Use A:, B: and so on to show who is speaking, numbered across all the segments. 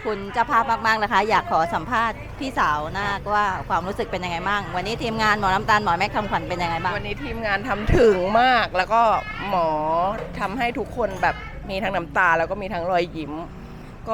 A: คุณเจ้าภาพมากๆนะคะอยากขอสัมภาษณ์พี่สาวนาคว่าความรู้สึกเป็นยังไงบ้างวันนี้ทีมงานหมอน้ำตาลหมอแม็กทำขวัญเป็นยังไงบ้าง
B: วันนี้ทีมงานทำถึงมากแล้วก็หมอทำให้ทุกคนแบบมีทั้งน้ำตาแล้วก็มีทั้งรอยยิ้มก็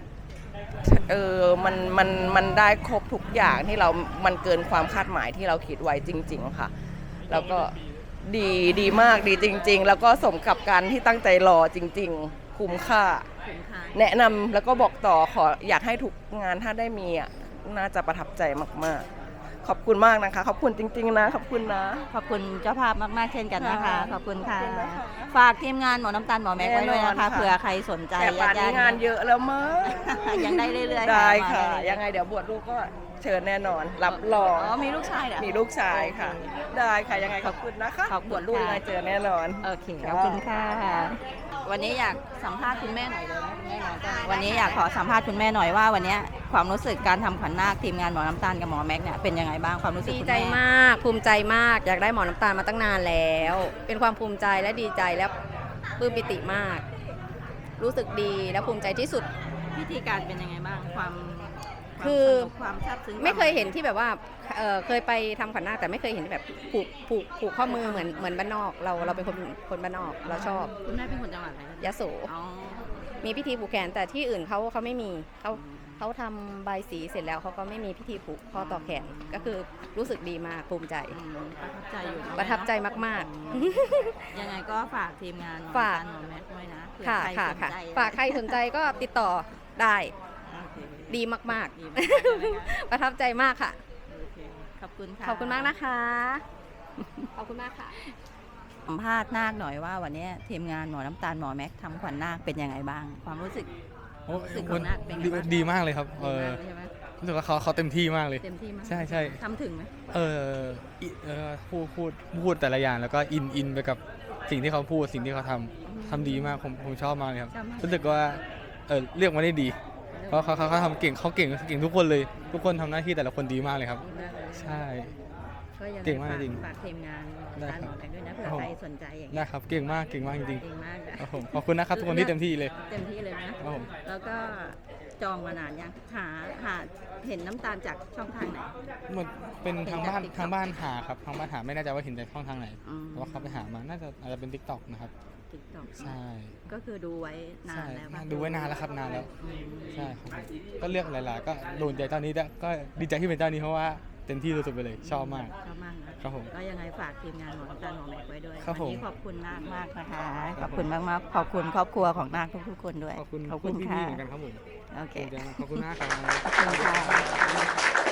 B: มันได้ครบทุกอย่างที่มันเกินความคาดหมายที่เราคิดไว้จริงๆค่ะแล้วก็ดีมากดีจริงๆแล้วก็สมกับการที่ตั้งใจรอจริงๆคุ้มค่าแนะนำแล้วก็บอกต่ออยากให้ทุกงานถ้าได้มีน่าจะประทับใจมากๆขอบคุณมากนะคะขอบคุณจริงๆนะขอบคุณนะ
A: ขอบคุณเจ้าภาพมากๆเช่นกันนะคะ
B: ค่ะ
A: ขอบคุณค่ะ
B: ขอบคุณนะคะ
A: ฝากทีมงานหมอน้ำตาลหมอแม็กไว้ด้วยนะคะ
B: แน่นอนค่ะ
A: เผื่อใครสนใจ
B: แต่ป่านนี้งานเยอะแล้วมั้ง
A: ยังได้เรื่อยๆ
B: ได้
A: มา
B: ค่ะ
A: เรื่อๆ
B: ยังไงเดี๋ยวบวชลูกก็เชิญแน่นอน รับรอง
A: อ๋อมีลูกชายเหรอ
B: มีลูกชายค่ะ ได้ค่ะยังไงขอบคุณนะคะ
A: ขอบคุณ
B: บวชลูก
A: ค่ะ
B: ยังไงเจอแน่นอน
A: โอเคขอบคุณค่ะ วันนี้อยากสัมภาษณ์คุณแม่หน่อยเลยนะคุณแม่น้องจ้าวันนี้อยากขอสัมภาษณ์คุณแม่หน่อยว่าวันนี้ความรู้สึกการทำขวัญนาคทีมงานหมอน้ำตาลกับหมอแม็กเนี่ยเป็นยังไงบ้างความรู้สึก
C: ดี
A: คุณ
C: ใจ
A: แม่
C: มากภูมิใจมากอยากได้หมอน้ำตาลมาตั้งนานแล้ว เป็นความภูมิใจและดีใจและปลื้มปิติมาก รู้สึกดีและภูมิใจที่สุด
A: พิธีการเป็นยังไงบ้างความ
C: คือ
A: สนุกความซาบซึ้ง
C: ไม่เคยเห็นที่แบบว่าเคยไปทำขวัญนาคแต่ไม่เคยเห็นที่แบบผูกข้อมือเหมือนบ้านนอกเราเป็นคนบ้านนอกเราชอบ
A: คุณแม่เป็นคนจังหวัดอะไร
C: ยโส
A: อ๋อ
C: มีพิธีผูกแขนแต่ที่อื่นเขาไม่มีเขาทำใบสีเสร็จแล้วเขาก็ไม่มีพิธีผูกข้อต่อแขนก็คือรู้สึกดีมากภูมิใจ
A: ประทับใจอยู่น
C: ประทับใจมาก
A: ยังไงก็ฝากทีมงาน
C: ฝาก
A: หมอแม็กด้วยนะเผื่อ
C: ค่ะ
A: ใคร
C: ค่ะ
A: สน
C: ค่ะ
A: ใจ
C: ฝากใครสนใจก็ติดต่อได้
A: โอเค
C: ดีมาก
A: ดีมากๆเลยนะ
C: ๆ ประทับใจมากค่ะ
A: โอเคขอบคุณค่ะ
C: ขอบคุณมากนะคะ ขอบคุณมากค่ะ
A: สัมภาษณ์นาคหน่อยว่าวันนี้ทีมงานหมอน้ำตาลหมอแม็กทำขวัญนาคเป็นยังไงบ้าง ความรู้สึก
D: โอ้
A: รู้สึกของนาคเป็นไงบ้าง
D: ดีมากเลยครับ
A: ดีมากเลยใช่ไหม
D: รู้สึกว่าเขาเต็มที่มากเลย
A: เต็มที่มาก
D: ใช่ใช่
A: ทำถึงไหม
D: พูดแต่ละอย่างแล้วก็อินไปกับสิ่งที่เขาพูดสิ่งที่เขาทำดีมากผมชอบมากเลยครับ
A: ชอบมาก
D: รู้สึกว่าเรียกมาได้ดี เพราะเขาทำเก่งทุกคนเลย ทุกคนทำหน้าที่แต่ละคนดีมากเลยครับ
A: ดีมากเลย
D: ใช่
A: ก็ยังไง
D: เก่งมากจริง
A: ฝากทีมงานหมอน้ำตาลหมอแม็กด้วยนะเผื่อ
D: ครับ
A: ใครสนใจอย่าง
D: ได้
A: เงี้ย
D: ครับเก่งมากจริง
A: เก่งมากนะครับ
D: ผมขอบคุณนะครับทุกคนที่เต็มที่เลย
A: เต็มที่เลยนะ
D: ครับผม
A: แล้วก็จองมานานยังหาเห็นน้ำตาลจากช่องทางไหน
D: มันเป็น
A: เห็น
D: ทาง
A: จาก
D: บ้าน
A: TikTok
D: ทางบ้านหาครับทางบ้านหาไม่แน่ใจว่าเห็นจากช่องทางไหน
A: อืม
D: แต่ว่าเขาไปหามาน่าจะอาจจะเป็น TikTok นะครับ
A: TikTok
D: ใช่
A: ก็คือดูไว้นาน
D: ใช่
A: แล้วปะ
D: ดูไว้นานแล้วครับนานแล้ว
A: อืม
D: ใช่ครับผมก็เลือกหลายๆ ก็โดนใจเจ้านี้ด้วยก็ดีใจที่เป็นเจ้านี้เพราะว่าเต็มที่สุดๆไปเลยชอบมาก
A: ชอบมากนะครับ
D: ผม
A: ก็ยังไงฝากทีมงานหมอน้ำตาลหมอแม็กไว้ด้วย
D: ครับ
A: วันี้
D: ผม
A: ขอบคุณนาคมากนะคะ ขอบคุณมากๆขอบคุณครอบครัวของนาคทุกๆคนด้วย
D: ขอบคุณ
A: ขอบคุณ
D: พี่
A: ค่ะ
D: ๆเหมือนกันครับผม
A: โอเค
D: ขอบคุณมากครับ
A: ขอบคุณค่ะ